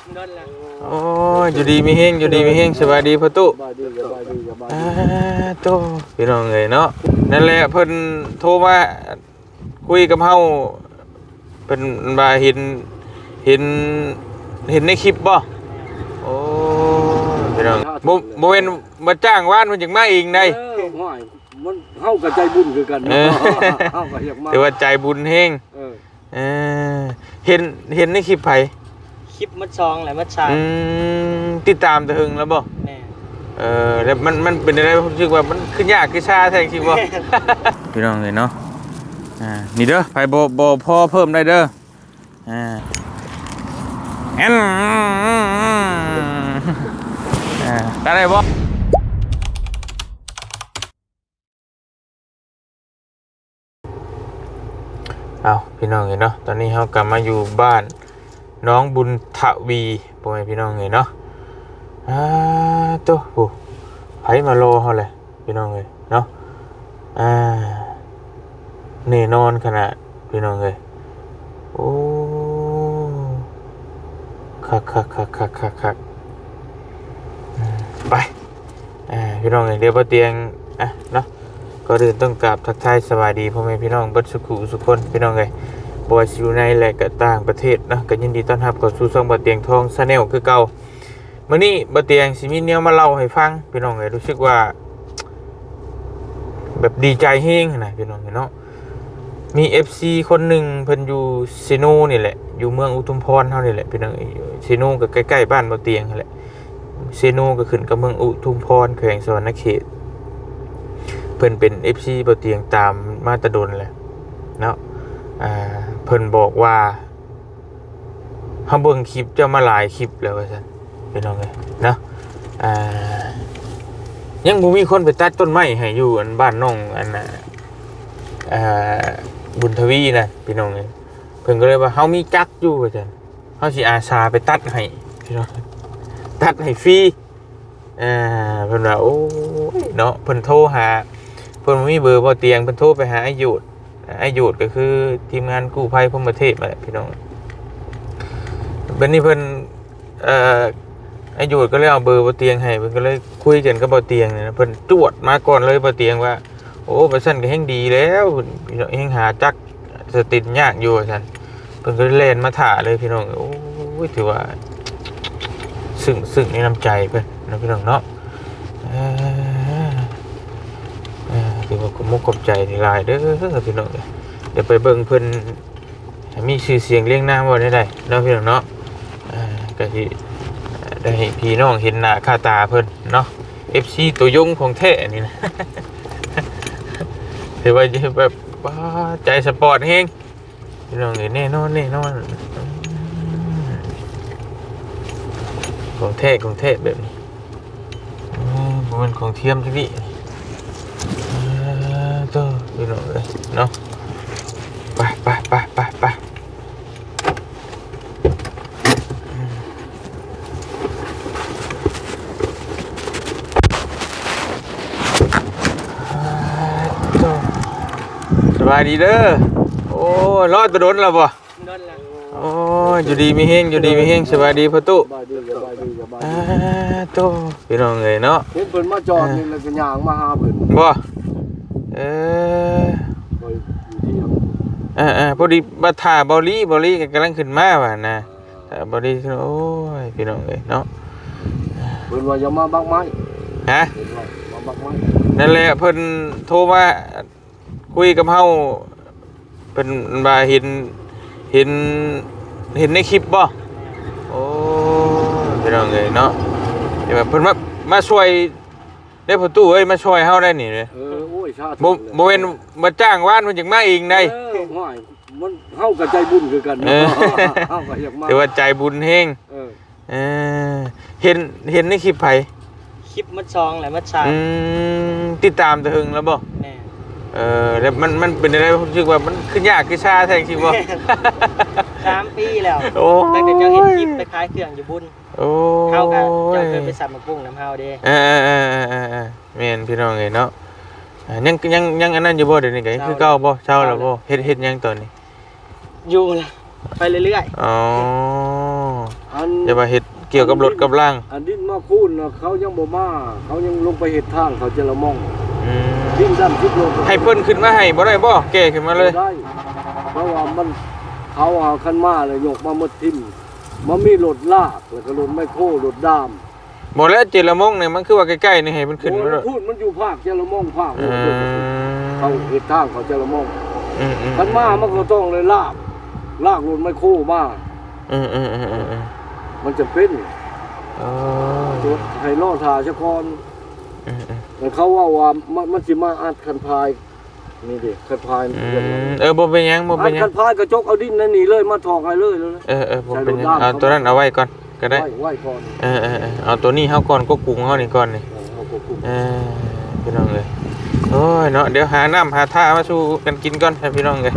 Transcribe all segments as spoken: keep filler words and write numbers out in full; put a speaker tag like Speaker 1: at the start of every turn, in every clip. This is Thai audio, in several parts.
Speaker 1: โอ้ยอยู่ดีมีเฮงอยู่ดีมีเฮงสบายดีพ่อตู้อ่าโตพี่น้องเอ้ยเนาะนั่นแหละเพิ่นโทรมาคุยกับเฮาเพิ่นว่าเห็นเห็นเห็นในคลิปบ่โอ้พี่น้องบ่บ่แม่นมาจ้างวานมันจังมาเองได้
Speaker 2: เออห้อยมันเฮากับใจบุญคือกัน
Speaker 1: เอ
Speaker 2: เนาะ
Speaker 1: อ
Speaker 2: เฮาก็อยากมา
Speaker 1: แต่ว่าใจบุญเฮง
Speaker 2: เออ
Speaker 1: เออเห็นเห็นในคลิปไผ
Speaker 3: คลิปมัดซองแหละมัดชา
Speaker 1: อืมติดตามแต่หึงแล้วบ่
Speaker 3: แม่
Speaker 1: เออแล้วมันมันเป็นอะไรผมรู้สึกว่ามันคือยากคือชาแท้จริงบ่ พี่น้องเอ้ยเนาะอ่านี่เด้อไผบ่บ่พอเพิ่มได้เด้ออ่าแอนอ่าได้บ่เอาพี่น้องเอ้ยเนาะตอนนี้เฮากลับมาอยู่บ้านน้องบุญทวีพ่อแม่พี่น้องเอ้ยเนาะอ่าโตโหไผมารอเฮาแหละพี่น้องเอ้ยเนาะอ่าแน่นอนขนาดพี่น้องเอ้ยโอ้คักคักคักคักคักคักไปอ่าพี่น้องเอ้ยเดี๋ยวบ่เตียงอ่ะเนาะก็เดินต้องกราบทักทายสวัสดีพ่อแม่พี่น้องเบิดสุขุสุขคนพี่น้องเอ้ยบ่ว่าสิอยู่ในและก็ต่างประเทศเนาะก็ยินดีต้อนรับเข้าสู่ช่องบ่เตียงทอง Channel คือเก่ามื้อนี้บ่เตียงสิมีแนวมาเล่าให้ฟังพี่น้องเอ้ยรู้สึกว่าแบบดีใจแฮงนะพี่น้องเอ้ยเนาะมี เอฟ ซี คนหนึ่งเพิ่นอยู่ซิโนนี่แหละอยู่เมืองอุทุมพรเฮานี่แหละพี่น้องเอ้ยซิโนก็ใกล้ๆบ้านบ่เตียงนั่นแหละซิโนก็ขึ้นกับเมืองอุทุมพรแขวงสวรรณเขตเพิ่นเป็น เอฟ ซี บ่เตียงตามมาแตะดนแหละเนาะอ่าเพิ่นบอกว่าเฮาเบิ่งคลิปเจ้ามาหลายคลิปแล้วว่าซั่นพี่น้องเอ้ยเนาะอ่ายังบ่มีคนไปตัดต้นไม้ให้อยู่อันบ้านน้องอันน่ะอ่าบุญทวีน่ะพี่น้องเอ้ยเพิ่นก็เลยว่าเฮามีจักรอยู่ว่าซั่นเฮาสิอาสาไปตัดให้พี่น้องตัดให้ฟรีอ่าเพิ่นว่าโอ้ยเนาะเพิ่นโทรหาเพิ่นบ่มีเบอร์บ่เตียงเพิ่นโทรไปหาอายุอายุก็คือทีมงานกู้ภัยพรหมเทพนั่นแหละพี่น้องบัดนี้เพิ่นเอ่ออายุก็เลยเอาเบอร์บ่เตียงให้เพิ่นก็เลยคุยกันกับบ่เตียงนี่นะเพิ่นจวดมาก่อนเลยบ่เตียงว่าโอ้ว่าซั่นก็แฮงดีแล้วพี่น้องแฮงหาจักสติดยากอยู่ว่าซั่นเพิ่นก็เลยแล่นมาท่าเลยพี่น้องโอ้ยถือว่าซึ้งซึ้งในน้ำใจเพิ่นนะพี่น้องเนาะเอ่อเอ่อถือว่าขอบมุกขอบใจหลายเด้อพี่น้องเดี๋ยวไปเบิ่งเพิ่นมีชื่อเสียงเรียงนามบ่ได้ได้เนาะพี่น้องเนาะอ่าก็สิได้ให้พี่น้องเห็นหน้าค่าตาเพิ่นเนาะ เอฟ ซี ตัวยงของแท้นี่นะ ถือว่าแบบว้าใจสปอร์ตเฮงพี่น้องเอ้ยแน่นอนแน่นอนของแท้ของแท้แบบนี้บ่แม่นของเทียมจังดิเออโตพี่น้องเอ้ยเนาะไปไปไปไปไปสบายดีเด้อโอ้ยรอดตะโดนแล้วบ่
Speaker 3: โดนแล้ว
Speaker 1: โอ้ยอยู่ดีมีเฮงอยู่ดีมีเฮงสบายดีพ่อตู้
Speaker 2: สบายดีสบายดีสบาย
Speaker 1: อ่า
Speaker 2: ดี
Speaker 1: โตพี่น้องเอ้ยเนาะ
Speaker 2: เห็นเพิ่นมาจอดนี่แล้วก็ย่างมาหาเพิ่น
Speaker 1: บ่เออ
Speaker 2: ไปอยู่ที่ยัง
Speaker 1: อ่าๆพอดีมาถ่าเบาลีเบาลีก็กำลังขึ้นมาว่ะนะถ่าเบาลีขึ้นโอ้ยพี่น้องเอ้ยเนาะ
Speaker 2: เพิ่นว่าอย่ามาบักไม้
Speaker 1: ฮะ
Speaker 2: เพิ่นว่ามาบักไม้
Speaker 1: นั่นแหละเพิ่นโทรมาคุยกับเฮาเพิ่นว่าเห็นเห็นเห็นในคลิปบ่โอ้พี่น้องเอ้ยเนาะเดี๋ยวเพิ่นมามาช่วยได้ประตูเอ้ยมาช่วยเฮาได้นี่เด้
Speaker 2: เออโอ้ยชาติ
Speaker 1: บ่บ่แม่นมาจ้างวานมันจังมาเองได้
Speaker 2: เออห้อยมันเฮากับใจบุญคือกัน
Speaker 1: เอ
Speaker 2: เนาะ
Speaker 1: อ
Speaker 2: เฮาก็อยากมา
Speaker 1: แต่ว่าใจบุญเฮง
Speaker 2: เออ
Speaker 1: เออเห็นเห็นในคลิปไผ
Speaker 3: คลิปมัดซองแหละมัดชา
Speaker 1: อืมติดตามแต่หึงแล้วบ่
Speaker 3: แม่
Speaker 1: เออแล้วมันมันเป็นอะไรผมรู้สึกว่ามันคือยากคือชาแท้จริงบ่
Speaker 3: สามปีแล้ว
Speaker 1: โอ้ย
Speaker 3: ตั้งแต่เจ้าเห็นคลิปไปขายเครื่องอยู่บุญ
Speaker 1: โอ้
Speaker 3: เข้ากันเจ้าเคย
Speaker 1: ย
Speaker 3: ไปสับมะกุ้งน้ำเฮาเด้
Speaker 1: เออเออเออเออเออแม่นพี่น้องเอ้ยเนาะอ่ายังยังยังอันนั้นอยู่บ่เดี๋ยวนี้ก็คือเก่าบ่เช่าแล้วบ่เฮ็ดเฮ็ดยังตอนนี้
Speaker 3: อยู่ล่ะไปเรื่อย
Speaker 1: อ๋อ
Speaker 2: อัน
Speaker 1: อย่ามาเฮ็ดเกี่ยวกับรถกับล่าง
Speaker 2: อันดินมาคูนน่ะเขายังบ่มาเขายังลงไปเฮ็ดทางเขาจะละม่อง
Speaker 1: อืม
Speaker 2: ดินด้านทิศลง
Speaker 1: ให้เพิ่นขึ้นมาให้บ่ได้บ่แก้ขึ้นมาเลย
Speaker 2: ได้เพราะว่ามันเขาเอาคันมาเลยยกมาหมดทิ่มมันมีรถลากแล้วก็รถไมคโครรถดาม
Speaker 1: บ่แล้วเจรมงเนี่ยมันคือว่าใกล้ๆนี่ให้มันขึ้นมาเลย
Speaker 2: โอ้ยพูดมันอยู่ภาคจะละม่องภาค
Speaker 1: อื
Speaker 2: โอ้ยเขา
Speaker 1: ม
Speaker 2: เฮ็ดทางเขาจะละม่อง
Speaker 1: อืมอืม
Speaker 2: คันมามันก็ต้องเลยลากลากรถไมคโครมา
Speaker 1: อืมอืมอืมอืมอืม
Speaker 2: มันจะเป็น
Speaker 1: อ๋อ
Speaker 2: ตัวให้ล่อทาชะกร
Speaker 1: อืมอืม
Speaker 2: แต่เขาว่าว่ามันมันสิมาอัดคันพายนี่ดิคันพาย
Speaker 1: อืมเออบ่เป็นหยังบ่
Speaker 2: อั
Speaker 1: เป็น
Speaker 2: ด
Speaker 1: หยั
Speaker 2: คั
Speaker 1: ง
Speaker 2: นพายกระจกเอาดินนั่นนี่เลยมาถอกให้เลยเลยนะ
Speaker 1: เออเออบ่เป็นหยังเอาตัวนั้นเอาไว้ก่อนก็ได้
Speaker 2: ไว้ไว้ก่อน
Speaker 1: เออเออเออเอาตัวนี้เฮาก่อนก็ปรุงเฮานี่ก่อนนี่
Speaker 2: เอาควบคุม
Speaker 1: เออพี่น้องเอ้ยโอ้ยเนาะเดี๋ยวหาน้ำหาท่ามาสู้กันกินก่อนให้พี่น้องเอ้ย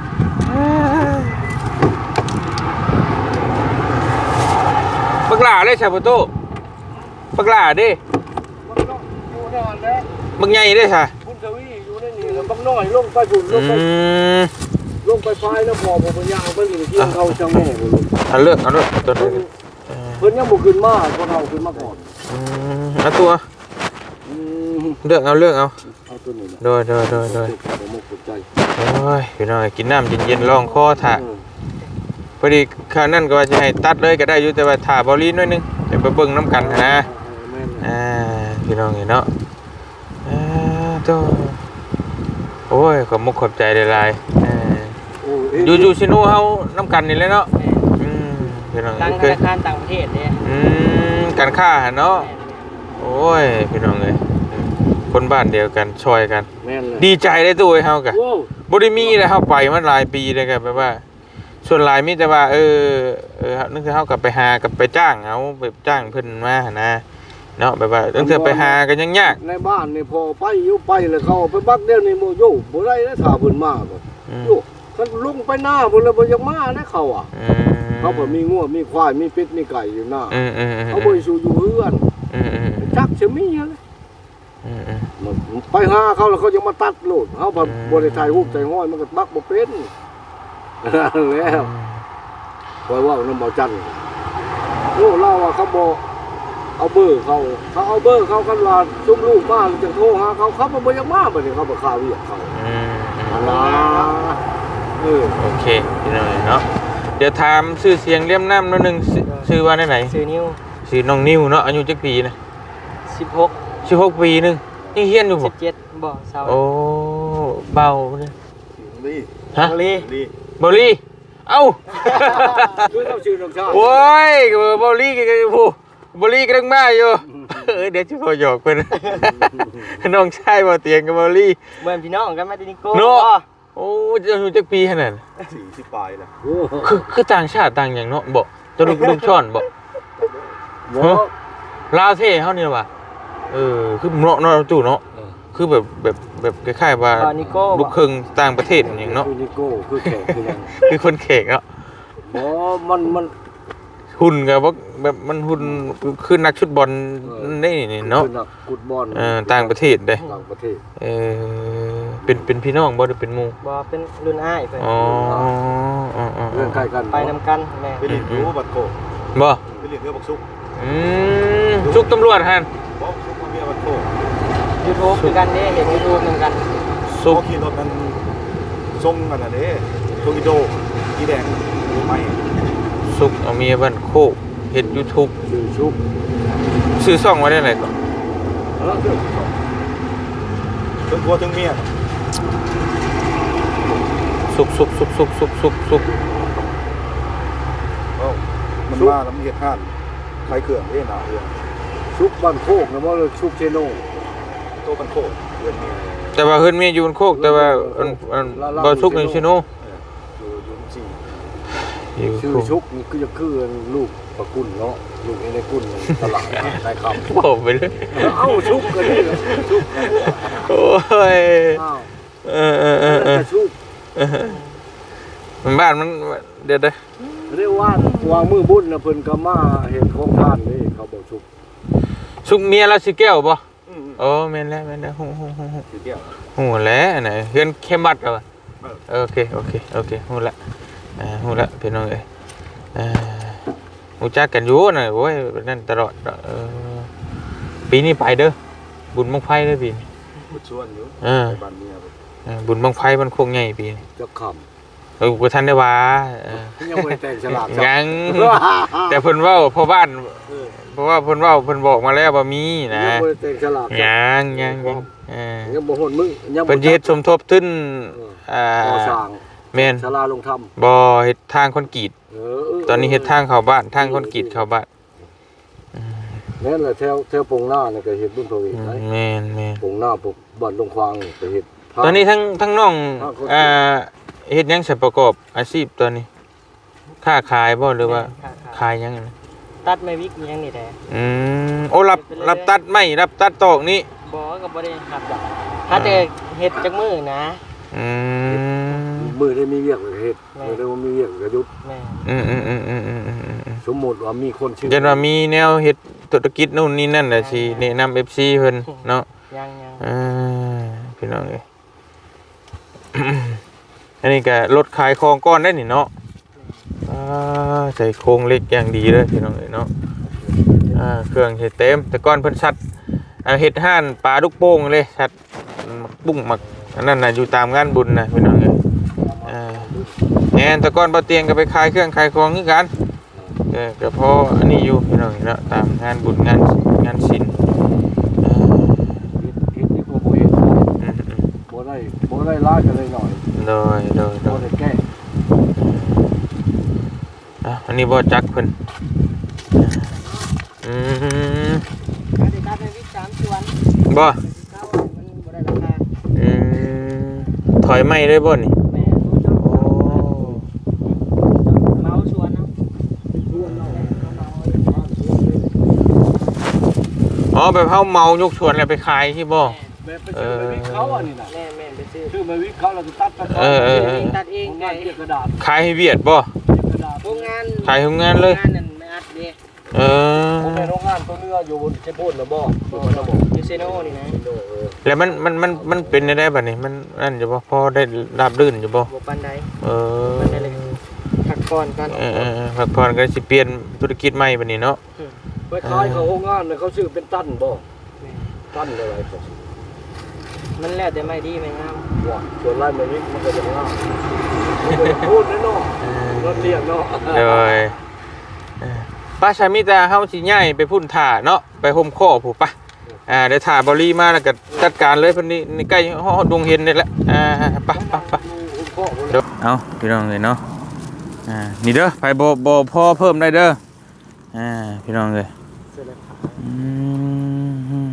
Speaker 1: บักหลาเลยชาโปโต้บักหลาเด้
Speaker 2: มันต้องอยู่นานแล้ว
Speaker 1: บักใหญ่เด้ค่ะ
Speaker 2: คุณทวีอยู่ในนี่แล้วบักน้อยลงไปฝุ่นล
Speaker 1: อื
Speaker 2: งไป
Speaker 1: ม
Speaker 2: ลงไปพายแล้วพอผมมันยางไปนี่เที่ยงเขาจังแม่บ่ลง
Speaker 1: เอาเลือกเอาเลือกตัว
Speaker 2: เพิ่น
Speaker 1: นี้เออ
Speaker 2: เพิ่นยังบ่ขึ้นมาเพราะเราขึ้นมาก่อน
Speaker 1: อืมเอาตัว
Speaker 2: อืม
Speaker 1: เลือกเอาเลือกเอา
Speaker 2: เอาตัวนี้นะ
Speaker 1: โดยโดยโดยโดย
Speaker 2: ผมบ่เข้าใจ
Speaker 1: โอ้ยพี่น้องเอ้ยกินน้ำเย็นๆลองคอถ่า
Speaker 2: เออ
Speaker 1: พอดีข้าวนั่นก็ว่าจะให้ตัดเลยก็ได้อยู่แต่ว่าถ่าบอลลีนหน่อยหนึงเดี๋ยวไปเบิ่งน้ำกันนะ
Speaker 2: แม่นเลย
Speaker 1: อ่าพี่น้องเห็นเนาะอ่าโตโอ้ยขอบมุกขอบใจหลายๆอ่า
Speaker 2: โอ้เอ๊ะ
Speaker 1: อยู่อยู่ซิโนเฮาน้ำกันนี่แหละเนาะอืมพี่น้อง
Speaker 3: ตั้งธ
Speaker 1: เคย
Speaker 3: นาคารต่างประเทศเนี่ย
Speaker 1: อืมการค้าหั่นเนาะโอ้ยพี่น้องเอ้ยอืมคนบ้านเดียวกันช่วยกัน
Speaker 2: แม่นเลย
Speaker 1: ดีใจได้ตัวเฮากะ
Speaker 2: โอ้
Speaker 1: บ่ได้มีเลยเฮาไปมาหลายปีเลยก็แบบว่า ส่วนหลายมีแต่ว่า เออเออนึกถึงเฮากลับไปหากับไปจ้างเอาไปจ้างเพิ่นมาหั่นนะเนาะแบบว่าตั้งแต่ไปหากันยังยาก
Speaker 2: ในบ้านนี่พอไปอยู่ไปเลยเขาไปบักเดียวนี่โมโยบ่ได้แล้วถ้าเพิ่นมาบ่
Speaker 1: อืม
Speaker 2: โยคันลงไปหน้าพุ่นแล้วบ่อยังมาได้เขาอ่ะ
Speaker 1: อืม
Speaker 2: เขาบ่มีงัวมีควายมีเป็ดมีไก่อยู่หน้า
Speaker 1: อืมอืมอืม
Speaker 2: เขาบ่ได้สู่อยู่เฮือน
Speaker 1: อืมอืม
Speaker 2: จักสิมีอะไร
Speaker 1: อืมอืม
Speaker 2: มันไปหาเขาแล้วเขายังมาตัดโลดเฮาบ่
Speaker 1: อืม
Speaker 2: บ่ได้ถ่ายรูปถ่ายห้อยมันก็บักบ่เป็นแล้วปล่อยว่านำบ่จันทร์โอ้เล่าว่าเขาบ่เอาเบอร์เขาเขาเอาเบอร์เขากันว่าซุมลูกมาแล้วจะโทรหาเขาเขาบ่บ่อยังมาบัดนี้เขาบ่ข่าวเรียกเขา
Speaker 1: อืมอืม
Speaker 2: อันล่ะเออ
Speaker 1: โอเคพี่น้องเนาะเดี๋ยวถามชื่อเสียงเลี่ยมน้ำหนิดนึงชื่อชื่อว่าได้ไหน
Speaker 3: ซื้อนิ้ว
Speaker 1: ชื่อน้องนิวเนาะอายุจักปีนะ
Speaker 3: สิบหก
Speaker 1: สิบหกปีหนึงยังเฮียนอยู่
Speaker 3: สิ
Speaker 1: บ่
Speaker 3: บเจ็ดบ่เศร้า
Speaker 1: โอ้เบาเนี่ย
Speaker 2: นี่
Speaker 1: ฮะ
Speaker 3: บรี
Speaker 2: นี่
Speaker 1: บอลลี่เอ้า
Speaker 2: คือเขาชื่อน้องชาย
Speaker 1: โอ้ยบอลลี่กันผู้บอลลี่กำลังมาอยู่เออเดี๋ยวจะพอหยอกเพิ่น น้องชายบ่เตียงกับบอลลี่
Speaker 3: เหมือนพี่น้องกันมาตินิโก้
Speaker 1: เนาะ
Speaker 3: บ่
Speaker 1: โอ้จะอายุจักปีขนาดนั้น
Speaker 2: สี่สิบปลายแล้ว
Speaker 1: คือคือต่างชาติต่างอย่างเนาะบ่จะลูกลูกช่อนบ่
Speaker 2: บ่
Speaker 1: ฮะ ลาวเท่เฮานี่ล่ะว่ะเออคือเนาะเนาะจู่เนาะคือแบบแบบแบบคล้ายๆว่า
Speaker 3: บ่นิโก้
Speaker 1: ลู
Speaker 3: บ่
Speaker 1: กครึ่งต่างประเทศอย่างเนาะ
Speaker 2: คือนิโก้คือแขกคือหยัง
Speaker 1: คือคนแขกเนาะ
Speaker 2: บ่มันมัน
Speaker 1: หุ่นกับว่าแบบมันหุ่นคือนักชุดบอลนี่นี่เนาะ
Speaker 2: คือนักกุดบอล
Speaker 1: เออต่างประเทศเด้
Speaker 2: ต่างประเทศ
Speaker 1: เออเป็นเป็นพี่น้องบ่หรือเป็นหมู่
Speaker 3: บ่เป็นรุ่นอ้ายเพิ่น
Speaker 1: อ๋ออ๋ออ๋อ
Speaker 2: เรื่องใกล้กัน
Speaker 3: ไปนำกันแม่
Speaker 4: ไปเรียนรู้บัตรโค
Speaker 1: บ่
Speaker 4: ไปเรียนเรื่องบักซุก
Speaker 1: อืมชุกตำรวจฮัน
Speaker 4: บอกซุกมาเมียบัตรโค
Speaker 3: YouTube คือกันเด้เห็น YouTube เหมือนกัน
Speaker 1: สุก
Speaker 4: เขาขี่รถนั้นทรงกันนะเด้โทกิโดกีแดงไม่
Speaker 1: สุกเอาเมียบ้านโคกเฮ็ด YouTube
Speaker 2: ชื่อชุบ
Speaker 1: ซื้อซ่องไว้ได้ไหนก่อน
Speaker 2: เออเรื่อง
Speaker 4: ถึงกลัวถึงเมีย
Speaker 1: สุกสุกสุกสุกสุกสุกสุก
Speaker 4: เอ้ามันมาแล้วมันเหตุการณ์ใครเขื่อนเด้หนาเรื่อง
Speaker 2: ชุบบ้านโคกนะบ่เลยชุบเชโน
Speaker 4: โตบันโคเดือนเมีย
Speaker 1: แต่ว่าเฮือนเมียอยู่บนโคกแต่ว่าอันอันบ่สุกในชิโน
Speaker 4: อยู่ยุนจี
Speaker 1: อยู่
Speaker 2: ชื่อ
Speaker 1: โคก
Speaker 2: ชุบนี่คือจะคือลูกประกุลเนาะลูกในกุลตลาดได้คำ
Speaker 1: โอ้ไปเลย
Speaker 2: เอ้าชุบกันนี่เหรอชุบกัน
Speaker 1: โอ้ย
Speaker 2: อ้าว
Speaker 1: เออเออเออเออ
Speaker 2: ชุบ
Speaker 1: มันบ้านมันเดี๋ยวเด้อ
Speaker 2: เรียกว่าวางมือบุญนะเพิ่นก็มาเห็นของท่านนี่เขาบอกชุบ
Speaker 1: สุกเมียแล้วสิแก้วบ่โอ้แม่นแล้วแม่นแล้วฮู้ฮู้ฮู้ฮู้
Speaker 4: คือแก้ว
Speaker 1: ฮู้แล้วอันไหนเฮือนเข้มบัดแล้วอะโอเคโอเคโอเคฮู้ละอ่าฮู้ละพี่น้องเอ้ยอ่ารู้จักกันอยู่น่ะโอ้ยนั่นตลอดเออปีนี้ไปเด้อบุญบังไฟเด้อปีนี้
Speaker 2: พูดชวนอยู่
Speaker 1: เออ
Speaker 2: บ้านเมีย
Speaker 1: เออบุญบังไฟมันคงใหญ่ปีนี้
Speaker 2: จะข
Speaker 1: เออบ่ทันได้ว่าเออ
Speaker 2: ำยังไม่แต่งฉลาด
Speaker 1: ยังแต่เพิ่นเว้าพ่อบ้าน
Speaker 2: เออ
Speaker 1: เพราะว่าเพิ่นเว้าเพิ่นบอกมาแล้วว่ามีนะ
Speaker 2: ยังไม่แต่งฉลาด
Speaker 1: ยังยังยังเออ
Speaker 2: ยังบ่หนมึงยัง
Speaker 1: เพิ่นสิเฮ็ดสมทบทุนอ่า
Speaker 2: ก่อสร้าง
Speaker 1: แม่น
Speaker 2: ศาลาลงธรรม
Speaker 1: บ่เฮ็ดทางคอนกรีต
Speaker 2: เออ
Speaker 1: ตอนนี้เฮ็ดทางเข้าบ้านทางคอนกรีตเข้าบ้าน
Speaker 2: นั่นแหละแถวแถวปงหน้านี่ก็เฮ็ดบุญพระเวท
Speaker 1: อืม
Speaker 2: ได้
Speaker 1: แม่นแม่น
Speaker 2: ปงหน้าปกบ้านลงควางนี่ก็เฮ็ด
Speaker 1: ตอนนี้ทั้งทั้งน้อง
Speaker 2: ทางคอนกรีต
Speaker 1: อ่าเฮ็ดหยังใช้ประกอบอาชีพตอนนี้ค้าขายบ่หรือว่า
Speaker 3: ค่ะ
Speaker 1: ขายหยังนะ
Speaker 3: ตัดไม่วิกมียังนี่แหละ
Speaker 1: อืมโอ้รับรับตัดไม้รับตัดตอกนี่
Speaker 3: บ่ก็บ่ได้ครับจ้ะถ้าแต่เฮ็ดจักมื้อนะ
Speaker 1: อืม
Speaker 2: มือได้มีเวียกก็เฮ็ดมือได้บ่มีเวียกก็หยุด
Speaker 3: แม่
Speaker 1: อืมอืมอืมอืมอืมอืมอืม
Speaker 2: สมมุติว่ามีคนชื่อ
Speaker 1: ยันว่ามีแนวเฮ็ดธุรกิจนู่นนี่นั่นแหละสิแนะนำ เอฟ ซี เพิ่นเนาะ
Speaker 3: ยังยัง
Speaker 1: อ่าพี่น้องเอ้ย อันนี้ก็รถขายของก้อนได้นี่เนาะอ่าใส่โครงเหล็กอย่างดีเลยพี่น้องเอ้ยเนาะอ่าเครื่องเฮ็ดเต็มแต่ก่อนเพิ่นชัดอ่าเฮ็ดห้านปลาลูกโป่งเลยชัดหมักบุ้งหมักอันนั้นน่ะอยู่ตามงานบุญน่ะพี่น้องเอ้ยอ่าแม่นแต่ก่อนบ่เตียงก็ไปขายเครื่องขายของคือกันก็ก็พออันนี้อยู่พี่น้องเอ้ยเนาะตามงานบุญงานงานศิลป์อ่า
Speaker 2: เฮ็ดที่บ่บ่เฮ็ด
Speaker 1: อืม
Speaker 2: บ่ได้บ่ได้ลายกันเลยหน่อย
Speaker 1: ๆโดยโดยโด
Speaker 2: บ่
Speaker 1: ย
Speaker 2: ได้แก้
Speaker 1: อ่ะอันนี้บ่จักเพิ่นอืม
Speaker 3: ถ้าได้ตัดไม่วิกสามส่วน
Speaker 1: บ่
Speaker 3: เก้ามันบ่ได้ราคา
Speaker 1: อืมถอยไม่ได้บ่นี่
Speaker 3: แม่รู้จัก
Speaker 1: โอ้
Speaker 3: เมาส่วนเนาะ
Speaker 1: อ๋อแบบเฮาเมายกสวนแล้วไปขายที่บ่
Speaker 2: แม่ไปซื้อมาวิกเขาอันนี้น่ะ
Speaker 3: แม่แม่ไปซื้อ
Speaker 2: ซื้อมาวิกเขาแล้วก็ตัดตัด
Speaker 1: เออเออ
Speaker 3: เองตัดเอง
Speaker 2: งานเก็บกระดาษ
Speaker 1: ขายให้เวียดบ่
Speaker 2: เก็บกระดาษ
Speaker 3: โรงงาน
Speaker 1: ขายโรงงานเลย
Speaker 3: โรงงานนั่นไม่อัดเด้
Speaker 1: เออ
Speaker 2: ผมในโรงงานตัวเนื้ออยู่บนเชฟโบนนะบ่
Speaker 3: บ่
Speaker 2: บ่นะบ่
Speaker 3: ยูเซโน่นี่นะ
Speaker 2: เออ
Speaker 1: แล้วมันมันมันมันเป็นได้บัดนี้มันนั่นอยู่บ่พอได้ราบรื่นอยู่บ่
Speaker 3: บ่ปานใด
Speaker 1: เออ
Speaker 3: ปานใดเลยพักก่อนกัน
Speaker 1: เออเออเออพักผ่อนก็สิเปลี่ยนธุรกิจใหม่บัดนี้เนาะ
Speaker 2: ไปขายเขาโรงงานน่ะเขาซื้อเป็นตันบ่ตันอะไรเขา
Speaker 3: มันแล้วแต่ไม่ดีไม่งาม
Speaker 2: ว่าส่วนไร่มาวิกมันก็จะงามมันก็จะพูดแน่เนาะรถเรียกเนาะ
Speaker 1: โดยเออป้าชามิตาเฮาสิย้ายไปพุ่นถ่าเนาะไปห่มข้อผู้ปะอ่าเดี๋ยวถ่าบอลี่มาแล้วก็จัดการเลยเพิ่นนี่นี่ใกล้ฮอดดวงเห็นนี่แหละอ่าไปไปไปเดี๋ยวเอาพี่น้องเอ้ยเนาะอ่านี่เด้อไปบ่บ่พอเพิ่มได้เด้ออ่าพี่น้องเอ้ย
Speaker 3: เสื้อละขา
Speaker 1: อืม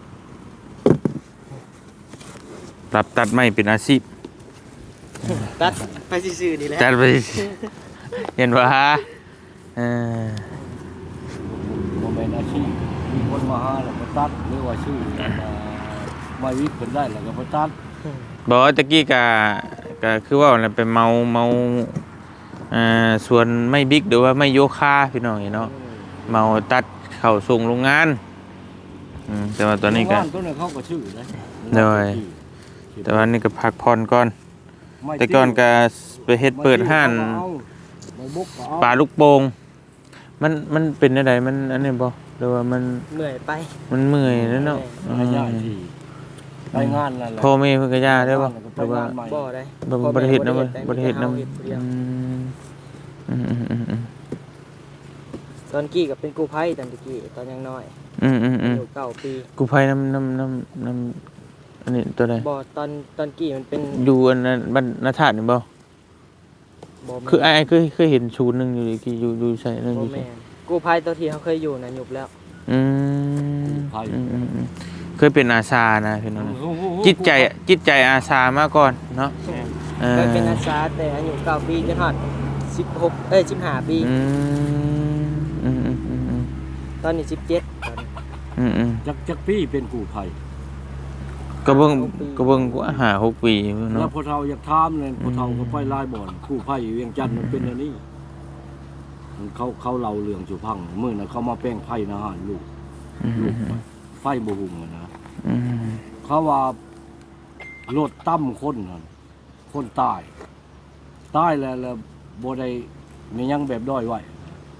Speaker 1: รับตัดไม้เป็นอาชีพ
Speaker 3: ตัดไปซื่อๆนี่แหละ
Speaker 1: จัดไป เห็นว่าเออ
Speaker 2: บ่แม่นอาชีพมีคนมาหาแล้วก็ตัดหรือว่าชื่อมามาวิกเพิ่นได้แล้วก็ไปตัด
Speaker 1: บอกว่าตะกี้กะกะคือว่าอะไรไปเมาเมาอ่าส่วนไม่บิ๊กหรือว่าไม่โยคะพี่น้องเนาะเมาตัดเข่าส่งโรงงานอืมแต่ว่าตอนนี้ก็
Speaker 2: โรงงาตัวนั้นเขาก็ชื่อนะ
Speaker 1: โดย แต่ว่านี่ก็พักผ่อนก่อน แต่ก่อนก็ไปเฮ็ดเปิดห้าน
Speaker 2: ไม่บุกก็เอา
Speaker 1: ปลาลูกโป่งมันมันเป็นอะไรมันอันนี้บ่หรือว่ามัน
Speaker 3: เหนื่อยไป
Speaker 1: มันเมื่อยแล้วเนาะ
Speaker 2: ไปย่าที่ไปงานนั่นแหละ
Speaker 1: พ่อแม่เพิ่นก็ย่าได้บ่หรือว่า
Speaker 3: บ่ได้
Speaker 1: บ่บ่ได้เฮ็ดนำ
Speaker 3: พ่อ
Speaker 1: บ่
Speaker 3: แม่
Speaker 1: ได้เฮ็ดนำ
Speaker 3: เฮ็ดผู้เดียว
Speaker 1: อืมอืมอืมอืม
Speaker 3: ตอนกี้ก็เป็นกู้ภัยตอนตะกี้ตอนยังน้อย
Speaker 1: อืมอืมอืม
Speaker 3: อายุเก้าปี
Speaker 1: กูภัยน้ำน้ำน้ำน้ำอันนี้ตัวใด
Speaker 3: บ่ตอนตอนกี้มันเป็น
Speaker 1: อยู่อันนั้นบรรณธาตุนี่บ่
Speaker 3: บ่แม่น
Speaker 1: คือไอ้เคยเคยเห็นชูนย์หนึงอยู่อีกอยู่อยู่ใส่นึงอ
Speaker 3: บ่
Speaker 1: ยู่ใส่
Speaker 3: แม่นกู้ภัยตัวที่เขาเคยอยู่น่ะยุบแล้ว
Speaker 1: อืมอืมอืมอืมเคยเป็นอาสานะพี่น้องนะจิตใจจิตใจอาสามาก่อนเนาะเออ
Speaker 3: เคยเป็นอาสาแต่อายุเก้าปีจนฮอดสิบหกเอ้ยสิบห้าปี
Speaker 1: อืมอืมอืมอืมอืม
Speaker 3: ตอนนี้สิบเจ็ดตอนนี้
Speaker 1: อืมอืม
Speaker 2: จักจักพี่เป็นกู้ภัย
Speaker 1: ก็เบิ่งก็เบิ่งกูหาหกปีอยู่
Speaker 2: แล้ว
Speaker 1: เนาะ
Speaker 2: พอเฒ่าอยากถามเลยพอเฒ่าก็ไปลายบ่อนกู้ภัยเวียงจันทน์มันเป็นอันนี้มันเขาเขาเล่าเรื่องสุพังมื้อนั้นเขามาแป้งไผ่นะฮะลูก
Speaker 1: อืม
Speaker 2: ลู
Speaker 1: อื
Speaker 2: ก
Speaker 1: ม
Speaker 2: ไฟบ่หุงอะนะ
Speaker 1: อืม
Speaker 2: เขาว่ารถตั้มคนนั่นคนตายตายแล้วแล้วบ่ได้มีหยังแบบด้อยไว้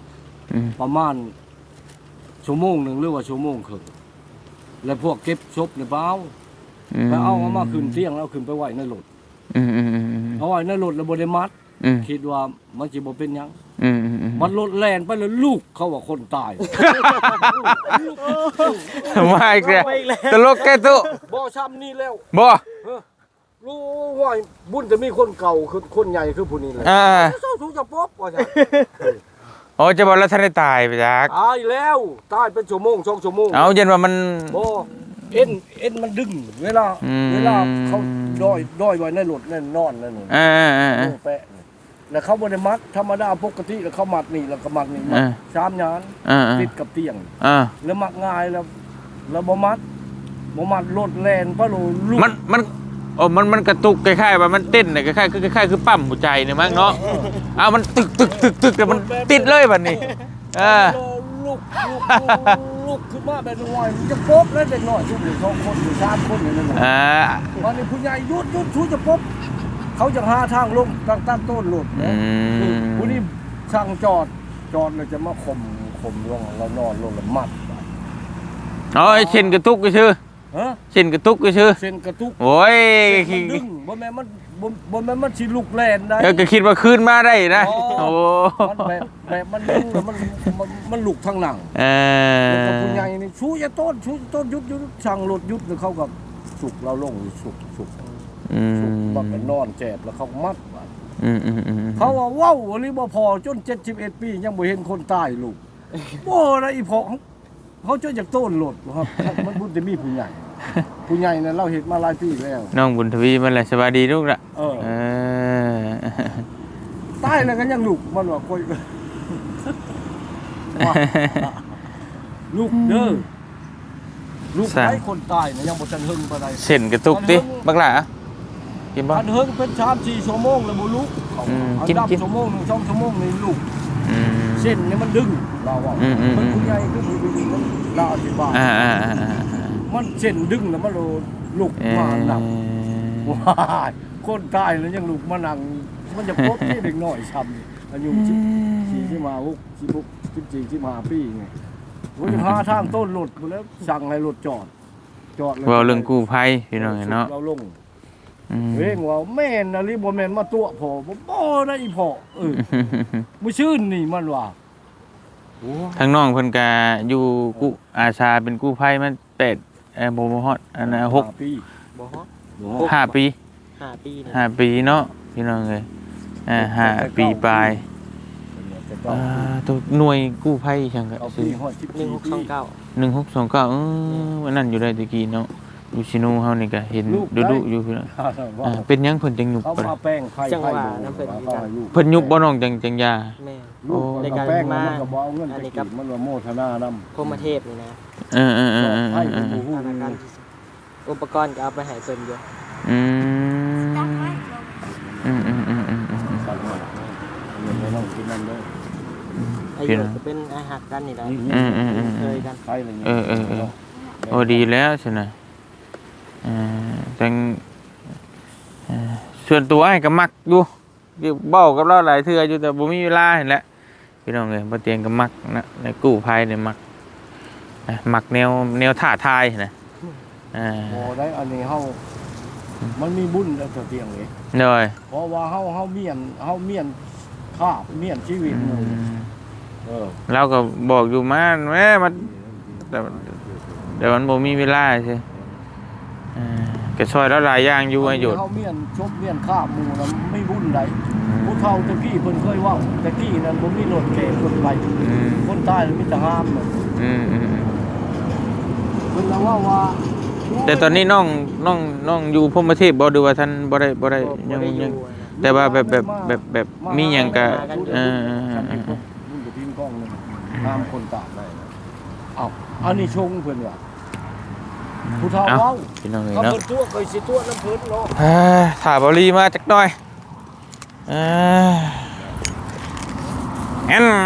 Speaker 1: อืม
Speaker 2: ประมาณชั่วโมงหนึ่งหรือว่าชั่วโมงครึ่งแล้วพวกเก็บศพในเบ้าไปเอาเอามาขึ้นเตียงแล้วขึ้นไปไว้ในรถ
Speaker 1: อืมอืมอืมอืม
Speaker 2: เอาไว้ในรถแล้วบ่ได้มัด
Speaker 1: อืม
Speaker 2: คิดว่ามันสิบ่เป็นหยัง
Speaker 1: อืมอืมอืม
Speaker 2: มันรถแล่นไปแล้วลูกเขาว่าคนตาย
Speaker 1: มาอีกแล้วตลกแกตุ
Speaker 2: บ่ช้ำนี่แล้ว
Speaker 1: บ่
Speaker 2: รู้ว่าบุญจะมีคนเก่าคือคนใหญ่คือผู้นี้แหละ
Speaker 1: อ่า
Speaker 2: เจ้าสูงจะป๊อบว่าจ้ะ
Speaker 1: โอ้จะบอกแล้วท่านได้ตายไปจัก
Speaker 2: ตายแล้วตายเป็นชั่วโมงสองชั่วโมง
Speaker 1: เอาเย็นว่ามัน
Speaker 2: บ่เอ็นเอ็นมันดึงเวลา
Speaker 1: อืม
Speaker 2: เวลาเขาด้อยด้อยไว้ในรถนั่นนอนนั่นนี่
Speaker 1: อ่าอ่าอ่า
Speaker 2: โอ้แปะนี่แล้วเขาบ่ได้มัดธรรมดาปกติแล้วเขามัดนี่แล้วก็มัดนี่มัด
Speaker 1: อ่า
Speaker 2: ชามยาน
Speaker 1: อ่า
Speaker 2: ติดกับเตียง
Speaker 1: อ่า
Speaker 2: แล้วมักง่ายแล้วแล้วบ่มัดบ่มัดรถแล่นปะโลลูก
Speaker 1: มันมันโอ้มันมันกระตุกคล้ายๆว่ามันเต้นน่ะคล้ายๆคือคล้ายๆคือปั๊มหัวใจเนี่ยมั้งเนาะเอามันตึกตึกตึกตึกแต่มันติดเลยบัดนี้เออ
Speaker 2: ลูกลูกลูกลูกขึ้นมาแบบน้อยมันจะป๊บแล้วเด็กน้อยทุกหนึ่งสองคนหรือสามคนอย่างนั้นน่ะ
Speaker 1: อ่า
Speaker 2: วันนี้ผู้ใหญ่ยุดยุดชูจะป๊บเขาจะหาทางลงตั้งตั้งต้นหลุด
Speaker 1: อื
Speaker 2: นะ
Speaker 1: ม
Speaker 2: ผู้นี้ช่างจอดจอดเลยจะมาข่มข่มลงแล้วนอนลงแล้วมัด
Speaker 1: อ๋อไอ้เช่นกระตุกก็ชื่อ
Speaker 2: ฮะ
Speaker 1: เช่นกระตุกก็ชื่อ
Speaker 2: เส้นกระตุก
Speaker 1: โอ้ย
Speaker 2: เส้นมันดึงบ่แม่นมันบ่บ่แม่นมันสิลุกแล่นได้
Speaker 1: เออก็คิดว่าคืนมาได้นะ
Speaker 2: อ๋
Speaker 1: โอ้
Speaker 2: อ มันแบบแบบมันดึงแล้วมันมันมันลุกทางหนัง
Speaker 1: เอ
Speaker 2: แล้วก็
Speaker 1: อ
Speaker 2: ผู้ใหญ่นี่ชูจะต้นชูต้นยุดยุดช่างรถยุดแล้วเขากับสุกเราลงสุกสุก
Speaker 1: อื
Speaker 2: สุก
Speaker 1: ม
Speaker 2: บักนอนแจบแล้วเขามัดไว้
Speaker 1: อืมอืมอืม
Speaker 2: เขาว่าว้าวหรือบ่พอจนเจ็ดสิบเอ็ดปียังบ่เห็นคนตายลูกโอ้นะอีพอเขาจนจากต้นรถครับมันบุญจะมีผู้ใหญ่ผู้ใหญ่เนี่ยเราเห็นมาหลายปีแล้ว
Speaker 1: น้องบุญทวีมันแหละสบายดีลูกละ
Speaker 2: เออ
Speaker 1: เออ
Speaker 2: ตายแล้วก็ยังลูกมันว่าค่อยว่าลูกเด้อลูกไอ้คนตายเนี่ยยังบ่ทันหึงปานใด
Speaker 1: เส้นกระตุกติบักหล่ะกินบ่
Speaker 2: อันเฮิงเป็นชามสี่ชั่วโมงแล้วบ่ลุก
Speaker 1: อืม
Speaker 2: อัน
Speaker 1: กิน
Speaker 2: ดับ
Speaker 1: กิน
Speaker 2: ชั่วโมงหนึ่งสองชั่วโมงนี่ลุก
Speaker 1: อืม
Speaker 2: เส้นนี่มันดึงเราอ่ะ
Speaker 1: อืมอืม
Speaker 2: มันผู้ใหญ่คือผู้มันเราอธิบาย
Speaker 1: อ่าอ่าอ่าอ่า
Speaker 2: มันเส้นดึงแล้วมันโลลุก
Speaker 1: เอ
Speaker 2: มาหนัก
Speaker 1: อ
Speaker 2: ว้ายคนตายแล้วยังลุกมานั่งมันจะพบที่เด็กน้อยช้ำอายุสิบสี่ที่มาหกสิบหกสิบสี่ที่มาปีไงผมจะหาทางต้นรถหมดแล้วสั่งให้รถจอด จอดแล้ว
Speaker 1: เว่าเรื่องกู้ภัยพี่น้องเนาะ
Speaker 2: เราลง
Speaker 1: อืม
Speaker 2: เร่งว่าแม่นอะไรบ่แม่นมาตัวพ่อบ่บ่ได้อีพ่อเออมื้อชื่นนี่มันว่าโอ้
Speaker 1: ทางน้องเพิ่นก็อยู่กู้อาสาเป็นกู้ภัยมาแปดเอ่อบ่บ่ฮอดอันน่ะหก
Speaker 2: ห้าปี
Speaker 3: บ่ฮอด
Speaker 1: ห้าปี
Speaker 3: ห้าปีนี่
Speaker 1: ห้าปีเนาะพี่น้องเอ้ยอ่าห้าปีปลายอ่าตัวหน่วยกู้ภัยจังก็
Speaker 2: เอา
Speaker 1: ซื้
Speaker 2: ปี
Speaker 1: อ
Speaker 2: ฮอดสิบ
Speaker 3: หนึ่
Speaker 2: สี่
Speaker 3: งหก
Speaker 2: ปี
Speaker 3: สองเก้า
Speaker 1: หนึ่งหกสองเก้าเออวันนั้นอยู่ได้ตะกี้เนาะอยู่ซิโนเฮานี่ก็เห็นดุๆอยู่พี่น้องอ่าเป็นหยังเพิ่นจังหยุบ
Speaker 2: เขา
Speaker 1: บ่ล่ะ
Speaker 2: มาแป้งไข่ไข่เขาให้ลูก
Speaker 1: เพิ่นหยุบบ่น้องจังจังยา
Speaker 3: แม่
Speaker 2: ลูก
Speaker 3: ใน
Speaker 2: มัน
Speaker 3: การ
Speaker 2: ก็แป้ง
Speaker 3: มา
Speaker 2: มันก็บ่เอาเงินไปกินมันว่าโมทนานำ
Speaker 3: พรหมเทพนี่นะ
Speaker 1: เออเออเออเออ
Speaker 2: ให้
Speaker 1: เอ
Speaker 2: เป็น
Speaker 1: อ
Speaker 2: ผู้ฮู้
Speaker 3: ธนาคารอุปกรณ์ก็เอาไปให้เพิ่นอยู่
Speaker 1: อืมอืมอืมอืมอืมอืม
Speaker 2: สั่งมาเงินไม่ต้องกินนั่นเด้อ
Speaker 3: อายุก็เป็นอาหักกันนี่แหละ
Speaker 1: อืมอืมอืม
Speaker 3: เคยกัน
Speaker 2: ไข่อะไรเงี้ย
Speaker 1: เออเออเออโอ้ดีแล้วใช่ไหมเอ่อจังเอ่อส่วนตัวไอ้ก็มักอยู่อยู่เบ้ากับเราหลายเทื่ออยู่แต่บ่มีเวลาเห็นแหละพี่น้องเอ้ยบ่เตียงก็มักนะในกู้ภัยเนี่ยมักนะมักแนวแนวท่าทายนะอ่า
Speaker 2: พอได้อันนี้เฮามันมีบุญแล้วเตียงเลย
Speaker 1: เด้อย
Speaker 2: เพราะว่าเฮาเฮาเมียนเฮาเมียนคาบเมียนชีวิต
Speaker 1: อื
Speaker 2: หมู่
Speaker 1: ม
Speaker 2: เออ
Speaker 1: เราก็บอกอยู่มาแม่มันแต่แต่มันบ่มีเวลาใช่อ่าก็ช่วยแล้วหลายอย่างอยู่ให้หยุด
Speaker 2: เฮาเมียนชบเมียนคาบหมู่นั้นไม่บุญใดผู้เฒ่าตะกี้เพิ่นเคยเว้าตะกี้นั้นบ่มีรถแก่คนไป
Speaker 1: อืม
Speaker 2: คนตายแล้วมีแต่ห้ามน่ะ
Speaker 1: อืมอืมอืม
Speaker 2: เพิ่นละว่าว่า
Speaker 1: แต่ตอนนี้น้องน้องน้องอยู่พรหมเทพบ่ดูว่าท่านบ่ได้บ่ได้
Speaker 3: บ่
Speaker 1: ยัง
Speaker 3: ได้อ
Speaker 1: ยัง
Speaker 3: ยู่นะ
Speaker 1: แต่ว่าแบบแบบแบบแบบมีหยังก็เออ
Speaker 2: ฉันมีพวกบุญกับทีมกล้องนึงห้ามคนตายได้นะเอ้าอันนี้ชงเพิ่นว่าผู้เฒ่า
Speaker 1: เอ้า
Speaker 2: เว้า
Speaker 1: พี่น้องเอ้ย
Speaker 2: เขา
Speaker 1: เนาะ
Speaker 2: เพิ่นตัวเคยสิตัวน้ำเพิ่นเนาะ
Speaker 1: เอ้ยถ่าบรีมาจักหน่อยเอ้ยแอน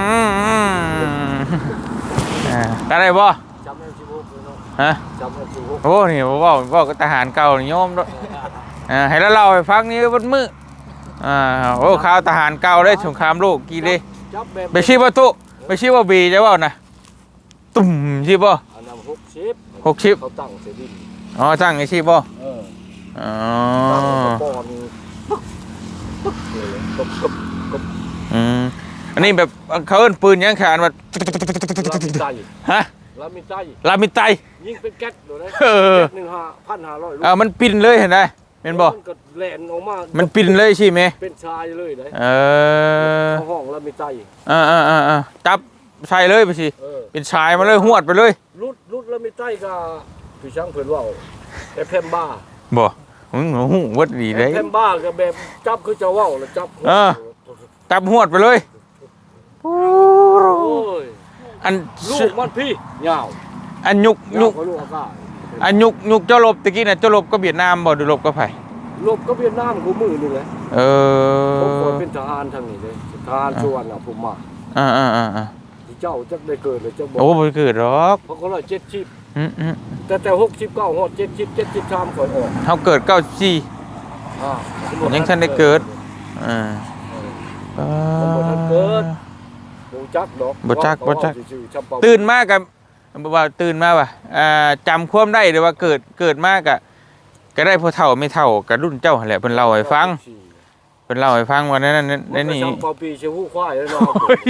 Speaker 1: อ่าก็ได้บ่
Speaker 2: จำได้สิบหกเลยเนาะ
Speaker 1: ฮะ
Speaker 2: จำได้สิบหก
Speaker 1: โอ้นี่บ่เว้าเว้ากับทหารเก่านี่โยมด้วยอ่าให้เราเล่าให้ฟังนี่บนมืออ่าโอ้ข่าวทหารเก่าได้สงครามโลกกี่เด้
Speaker 2: จับแบบ
Speaker 1: ไปชี้ประตู
Speaker 2: เอ
Speaker 1: ไม่ใช่ว่าบีจะว่านะตุ่มใช่ป่ะ
Speaker 2: อันนั้นหกสิบ
Speaker 1: หกสิบ
Speaker 2: เขาตั้งเสดิน
Speaker 1: อ๋อตั้งไอ้ใช่ป่ะ
Speaker 2: เออ
Speaker 1: อ๋อ
Speaker 2: ตั้งกระปอนปึ๊กปึ๊กเลยกบกบกบ
Speaker 1: อืมอันนี้แบบเขาเอิ้นปืนยังขานแบบ
Speaker 2: ลามิใจ
Speaker 1: ฮะ
Speaker 2: ลามิใจ
Speaker 1: ลามิไต
Speaker 2: ยิงเป็นแก๊สดูนะ
Speaker 1: เออ
Speaker 2: แก๊สหนึ่งห้าพันห้าร้อยลูก
Speaker 1: อ่ามันปินเลยเห็นไหมเป็นบ่
Speaker 2: มันก็แหลนออกมา
Speaker 1: มันปินเลยใช่ไหม
Speaker 2: เป็นชายเลยเลย
Speaker 1: เออ
Speaker 2: ห้องลามิใจ
Speaker 1: อ่าอ่าอ่าอ่าจับใส่เลยไปสิ
Speaker 2: เออ
Speaker 1: เป็นชายมาเลยหวดไปเลย
Speaker 2: รุดรุดลามิใจก็พี่ช่างเพิ่นว่าแต่แพมบ้า
Speaker 1: บ่มึงหูวัดดีเลย
Speaker 2: แพมบ้าก็แบบจับคือจะว่าวแล้วจับ
Speaker 1: เออ จับหวดไปเลย
Speaker 2: โอ้ย
Speaker 1: อัน
Speaker 2: ลูกมันพี่ยาว
Speaker 1: อันยุก
Speaker 2: ยา
Speaker 1: ยุ
Speaker 2: ว
Speaker 1: ก
Speaker 2: กว่าลูกอากาศ
Speaker 1: อันยุกยุกเจ้าลบตะกี้น่ะเจ้าลบก็เวียดนามบ่ดูลบก็ไผ
Speaker 2: ลบก็เวียดนามกูมือนี่แหละ
Speaker 1: เอ
Speaker 2: ผมเค
Speaker 1: อย
Speaker 2: เป็นทหารทางนี้เลยทหารส่วนน่ะผมมา
Speaker 1: อ่าอ่าอ่าอ่า
Speaker 2: ที่เจ้าจักได้เกิดเลยเจ้าบอก
Speaker 1: โอ้บ่เกิดหรอก
Speaker 2: เพราะเขาเลยเจ็ดชิป
Speaker 1: อืมอืม
Speaker 2: แต่แต่หกชิปเก้าหอดเจ็ดชิปเจ็ดชิปชามข่อยออก
Speaker 1: เฮาเกิดเก้าสิบสี่
Speaker 2: อ่า
Speaker 1: ยังทันได้เกิด อ่า
Speaker 2: ผมบ่ทันเกิดบ่จักดอก
Speaker 1: บ่จักบ่จัก
Speaker 2: ชื่อๆชำเปา
Speaker 1: ตื่นมากกับว่าตื่นมาว่ะอ่าจำความได้หรือว่าเกิดเกิดมากอะก็ได้พอเท่าไม่เท่ากับรุ่นเจ้าหั่นแหละเพิ่นเล่าให้ฟังเพิ่นเล่าให้ฟังว่านั่นนั่น
Speaker 2: มั
Speaker 1: นั่น
Speaker 2: ก็
Speaker 1: นี่
Speaker 2: ชำเปาปีเชื่อหู้ควายแล้วเนาะ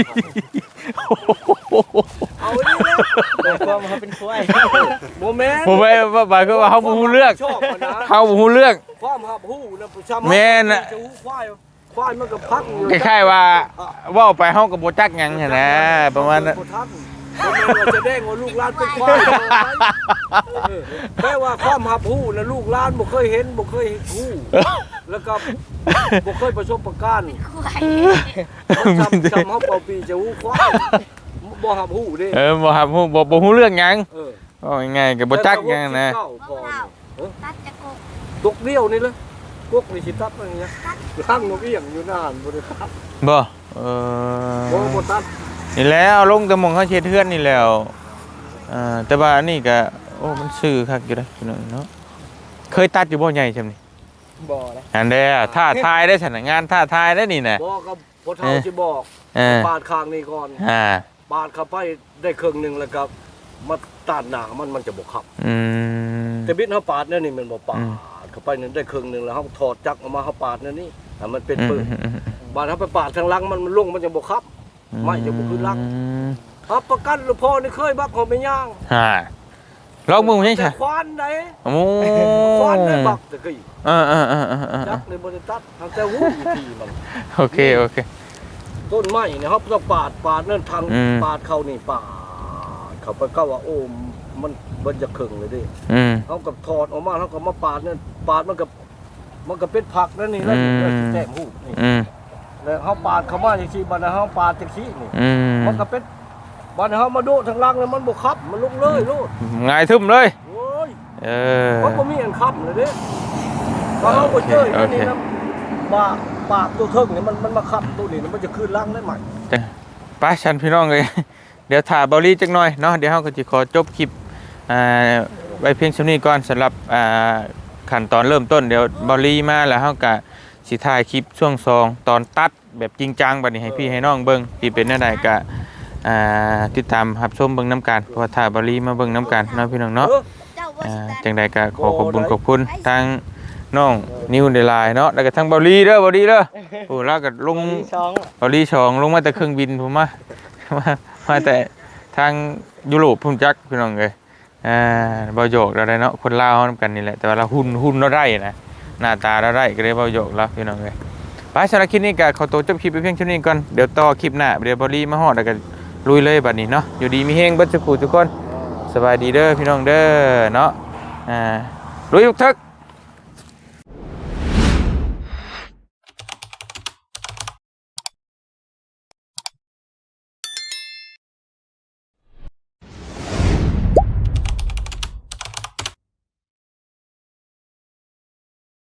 Speaker 2: เอาดินะ
Speaker 3: โดยความเขาเป็นควาย
Speaker 2: โมเมนต์
Speaker 1: ผมไปว่าบาคือว่าเฮาบ่ฮู้เรื่อง
Speaker 2: ชอบมันนะ
Speaker 1: เฮาบ่ฮู้เรื่อง
Speaker 2: ความหับหู้นะผู้ชำ
Speaker 1: แม่นน่ะ
Speaker 2: เชื่อหู้ควายควายมันก็พักอยู่
Speaker 1: คล้ายๆว่าเว้าไปเฮาก็บ่จักหยังหั่นนะประมาณนั้น
Speaker 2: บ่ทันบ่แม่นว่าจะแดงว่าลูกหลานเป็นควายเออแม้ว่าความหับหู้นะลูกหลานบ่เคยเห็นบ่เคยฮู้แล้วก็บ่เคยประสบการณ์
Speaker 5: ควาย
Speaker 2: มันจำจำเฮาเป่าปีจะฮู้ควายบ่หับฮู้เด้
Speaker 1: เออบ่ครับฮู้บ่บ่ฮู้เรื่องหยัง
Speaker 2: เออ
Speaker 1: ว่าง่ายๆก็บ่จักหยังนะ
Speaker 2: แต่ว่าสิบเก้าก่อนเออ
Speaker 5: ตัดจะกก
Speaker 2: ตกเดียวนี่เลยพวกนี่สิตัดอะไรเงี้ยข้างนกเอี้ยงอยู่นานบ่ได้ตัด
Speaker 1: บ่เอ
Speaker 2: บ่
Speaker 1: อ
Speaker 2: บ่ตัด
Speaker 1: นี่แหล้วลงแต่หมองเขาเช็ดเทือนนี่แล้วอ่าแต่ว่าอันนี้ก็โอ้มันซื่อคักอยู่เด้อพี่น้องเนาะเคยตัดอยู่บ่ใหญ่จำนี่
Speaker 3: บ่นะ
Speaker 1: อันเด้อท่าทายได้สถานงานท่าทายได้นี่น่ะ
Speaker 2: บ่ก็พ่อเฒ่าสิบอก
Speaker 1: เออ
Speaker 2: ปาดข้างนี่ก่อน
Speaker 1: อ่า
Speaker 2: ปาดเข้าไปได้ครึ่งหนึงแล้วก็มาตัดหน้ามันมันจะบ่ขับ
Speaker 1: อืม
Speaker 2: แต่บิดเฮาปาดเนี่ยนี่มันบ่ปา
Speaker 1: อืม
Speaker 2: ดเข้าไปนี่ได้ครึ่งหนึงแล้วเฮาถอดจักรออกมาเฮาปาดเนี่ยนี่ให้มันเป็น
Speaker 1: อืม
Speaker 2: ปืน
Speaker 1: อืมอืม
Speaker 2: บาดเฮาไปปาดทางหลังมันมันลงมันจะบ่ขับ ไม่จะบ่ขึ้นหลัง
Speaker 1: อืม
Speaker 2: ครับประกันหรือพ่อนี่เคยบักเขาไม่ย่าง
Speaker 1: ฮ่าลองมึงใช่ใช่
Speaker 2: แต่ควานไหน
Speaker 1: โอ้
Speaker 2: ควานได้บักแต่กี้
Speaker 1: เออเออเออเออเออ
Speaker 2: จักในบริษัททางแต่หูอยู่ที่มัน
Speaker 1: โอเคโอเค
Speaker 2: ต้นไม้เนี่ยครับต้องปาดปาดนั่นทาง
Speaker 1: อืม
Speaker 2: ปาดเขานี่ปาดเขาไปก็ว่าโอ้มันมันจะครึ่งเลยดิ
Speaker 1: อืม
Speaker 2: เขากับถอดออกมาเขาก็มาปาดนั่นปาดมันกับมันก็เป็นผักนั่นนี่แล้ว
Speaker 1: อืม
Speaker 2: แล้วแต้มหูนี่
Speaker 1: อืม
Speaker 2: แล้วเขาปาดเขามาอย่างที่บัดนี้เขาปาดจากที่นี่
Speaker 1: อืม
Speaker 2: มันก็เป็นบัดนี้เขามาโดดทางล่างแล้วมันบกคับมันลุกเลยโลด
Speaker 1: ง่ายทึมเลย
Speaker 2: โอ้ย
Speaker 1: เออ
Speaker 2: มันก็มีอันคับเลยเด้พอเขาไปเจออันนี้นะปากปากตัวเทิงเนี่ยมันมันมาคับตัวนี้มันจะคืนล่างได้ใหม่
Speaker 1: ไปชันพี่น้องเลย เดี๋ยวถ่ายเบอลลี่จักหน่อยเนาะเดี๋ยวเราก็จะขอจบคลิปอ่าไว้เพียงเท่านี้ก่อนสำหรับอ่าขั้นตอนเริ่มต้นเดี๋ยวเบอลลี่มาแล้วเราก็สิถ่ายคลิปช่วงซองตอนตัดแบบจริงจังบัดนี้ให้พี่ให้น้องเบิ่งที่เป็นแนวใดก็อ่าติดตามรับชมเบิ่งน้ำกันเพราะว่าถ่ายเบอลลี่มาเบิ่งน้ำกันเนาะพี่น้องเนาะ
Speaker 5: เจ้าว่า
Speaker 1: อ่า
Speaker 5: สิตัด
Speaker 1: จังใดก็ขอขอบคุณขอบคุณทางน้องนิวเดลายเนาะแล้วก็ทางเบอลลี่เด้อเบอลลี่เด้อโอ้แล้วก็ลง
Speaker 3: มีช่อง
Speaker 1: บริชองลงมาแต่เครื่องบินผมมา มามาแต่ทางยุโรปพุ่มจักพี่น้องเลยอ่าบอโยกเราได้เนาะคนลาวนํกันนี่แหละแต่ว่าเราหุ่นหุ่นเราได้นะหน้าตาเราได้ก็เลยบอโยกเราพี่น้องเลยไปสำหรับคลิปนี้ก็ขอตัวจบคลิปไปเพียงเท่านี้ก่อนเดี๋ยวต่อคลิปหน้าเดี๋ยวบอลี่มาฮอดแล้วก็ลุยเลยบัดนี้เนาะอยู่ดีมีเฮงเบัดสุขุทุกคนสบายดีเด้อพี่น้องเด้อเนาะอ่าลุยทุกทึก